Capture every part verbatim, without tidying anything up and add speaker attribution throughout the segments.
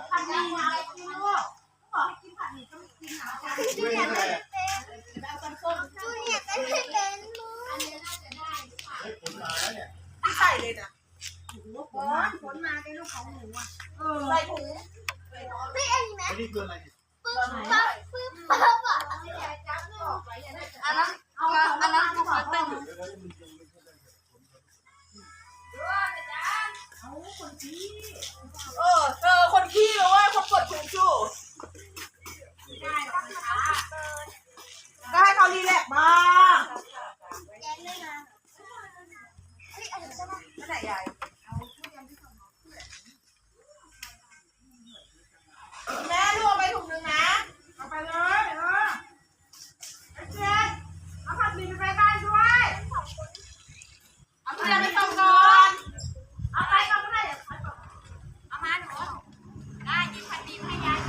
Speaker 1: ผัดหมี่อะไรกินลูกบอกให้กินผัดหมี่ต้องกินหาจานจูเนียร์ไม่เป็นจูเนียร์ไม่เป็นอันนี้น่าจะได้ผลมาแล้วเนี่ยไม่ใส่เลยนะผลผลมาเป็นลูกของหนูอ่ะใส่ถุงไม่อันนี้ไหมอันนี้คืออะไรปึ๊บปั๊บปึ๊บปั๊บอ่ะอันนั้นอันนั้นอันนั้นคือผัดตึ้งเออเออคนขี้เลยว่าคนกดถูกชูก็ให้เขารีแลกบ้างไหนใหญ่แม่ลูกไปถุงนึงนะเอาไปเลยเออไอ้เจ๊เอาผัดหมี่ไปบ้านด้วยเอาเพื่อนไปส่งก่อนเอาไปก็ไม่ได้เดี๋ยวเอามาหนูได้ยินผัดหมี่ให้ยาย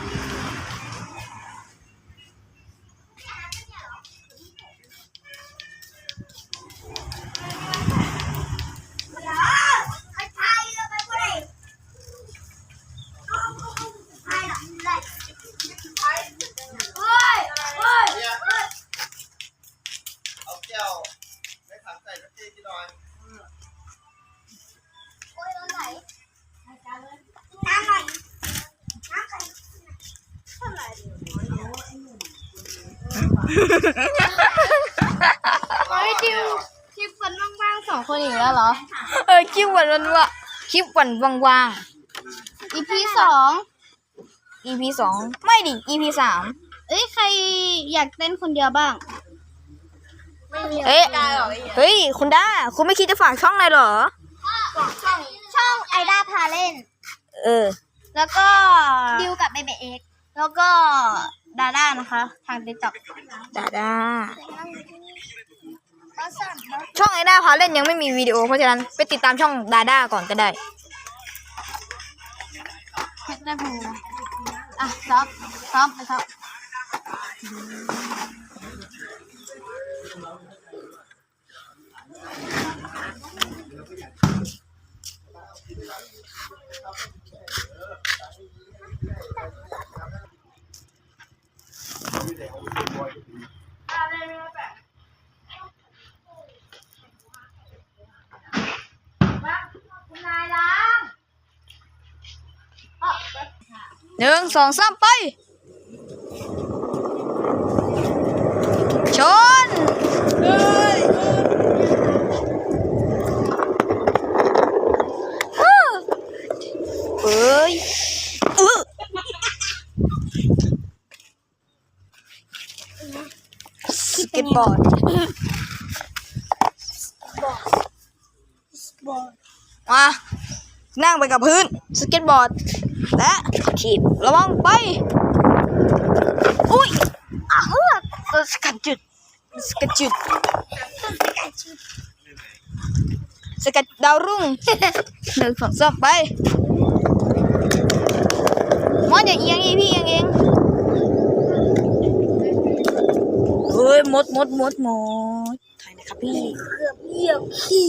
Speaker 2: เฮ้ยดิวคลิปวันว่างๆสองคนอีกแล้วเหรอ
Speaker 3: เออคลิปวันวันวะคลิปวันว่างๆ
Speaker 2: อี พี สอง
Speaker 3: อี พี สองไม่ดิ อี พี สาม
Speaker 2: เอ้ยใครอยากเต้นคนเดียวบ้าง
Speaker 3: เอ้ยเฮ้ยคุณด้าคุณไม่คิดจะฝากช่องเลยเหรอ
Speaker 2: ช่องช่องไอด้าพาเล่น
Speaker 3: เออ
Speaker 2: แล้วก็ดิวกับเบเบเอ็กแล้วก็ดาด้านะคะทางติ๊กต็อก
Speaker 3: ดาด้าช่องไอด้าพาเล่นยังไม่มีวิดีโอเพราะฉะนั้นไปติดตามช่องดาด้าก่อนก็ได้
Speaker 2: เพชรได้พูอ่ะซ้อมซ้อมไปซ้อม
Speaker 3: หนึ่งสองสามไปชนเฮ้ยเฮ้ยเออสเก็ตบอร์ดมานั่งไปกับพื้นสเก็ตบอร์ดและถีบระวังไปอุ้ยอ้าวตัวสกัดจุดสกัดจุดสกัดดาวรุ่งหนึ่งสองสามไปมดอย่าเอียงอีพี่เอียงเองเฮ้ยมดมดมดมดถ่ายนะครับพี่เกือบเหยียบขี้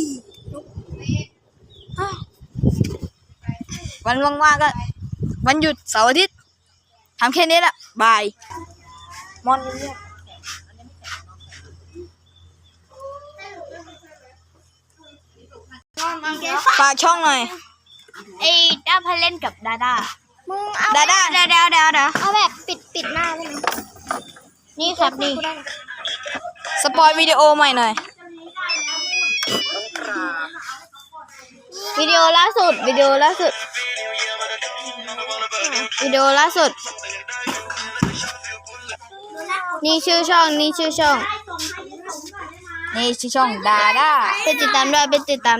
Speaker 3: วันว่างๆก็วันหยุดเสาร์อาทิตย์ทำแค่นี้แหละบายมอนเรียกฝากช่องหน่อย
Speaker 2: ไอ้ด้าพาเล่นกับดาด้ามึงเอา
Speaker 3: ดาด้า
Speaker 2: เดี๋ยวเดี๋ยวเดี๋ยวเดี๋ยวเอาแบบปิดปิดหน้าได้ไหมนี่ครับนี่
Speaker 3: สปอยวิดีโอใหม่หน่อย
Speaker 2: วิดีโอล่าสุดวิดีโอล่าสุดวิดีโอล่าสุดนี่ชื่อช่องนี่ชื่อช่อง
Speaker 3: นี่ชื่อช่องดาด้า
Speaker 2: ไปติดตามด้วยไปติดตาม